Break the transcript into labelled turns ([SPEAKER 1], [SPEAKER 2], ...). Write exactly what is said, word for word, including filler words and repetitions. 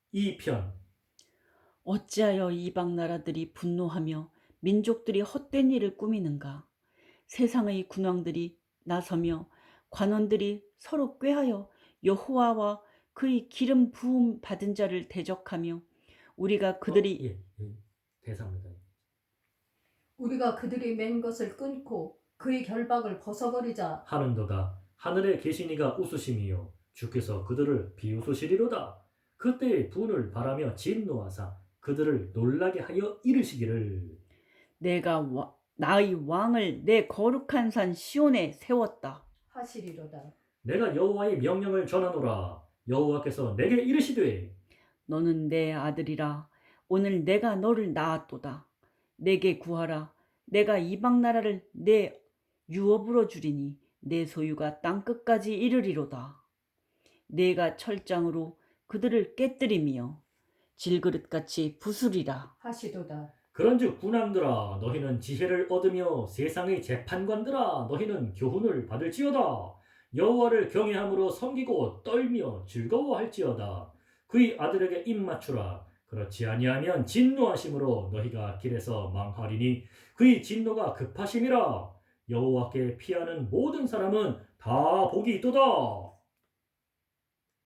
[SPEAKER 1] 이 편.
[SPEAKER 2] 어찌하여 이방 나라들이 분노하며 민족들이 헛된 일을 꾸미는가? 세상의 군왕들이 나서며 관원들이 서로 꾀하여 여호와와 그의 기름 부음 받은 자를 대적하며 우리가
[SPEAKER 1] 어,
[SPEAKER 2] 그들이
[SPEAKER 1] 예, 예. 대사입니다.
[SPEAKER 3] 우리가 그들이 맨 것을 끊고 그의 결박을 벗어버리자.
[SPEAKER 1] 하는도다. 하늘에 계신 이가 웃으심이요 주께서 그들을 비웃으시리로다. 그때의 분을 바라며 진노하사 그들을 놀라게 하여 이르시기를.
[SPEAKER 2] 내가 와- 나의 왕을 내 거룩한 산 시온에 세웠다.
[SPEAKER 3] 하시리로다.
[SPEAKER 1] 내가 여호와의 명령을 전하노라. 여호와께서 내게 이르시되
[SPEAKER 2] 너는 내 아들이라. 오늘 내가 너를 낳았도다. 내게 구하라. 내가 이방 나라를 내 유업으로 주리니 내 소유가 땅 끝까지 이르리로다. 내가 철장으로 그들을 깨뜨리며 질그릇같이 부수리라.
[SPEAKER 3] 하시도다.
[SPEAKER 1] 그런즉 군왕들아 너희는 지혜를 얻으며 세상의 재판관들아 너희는 교훈을 받을지어다. 여호와를 경외함으로 섬기고 떨며 즐거워할지어다. 그의 아들에게 입 맞추라. 그렇지 아니하면 진노하심으로 너희가 길에서 망하리니 그의 진노가 급하심이라. 여호와께 피하는 모든 사람은 다 복이 있도다.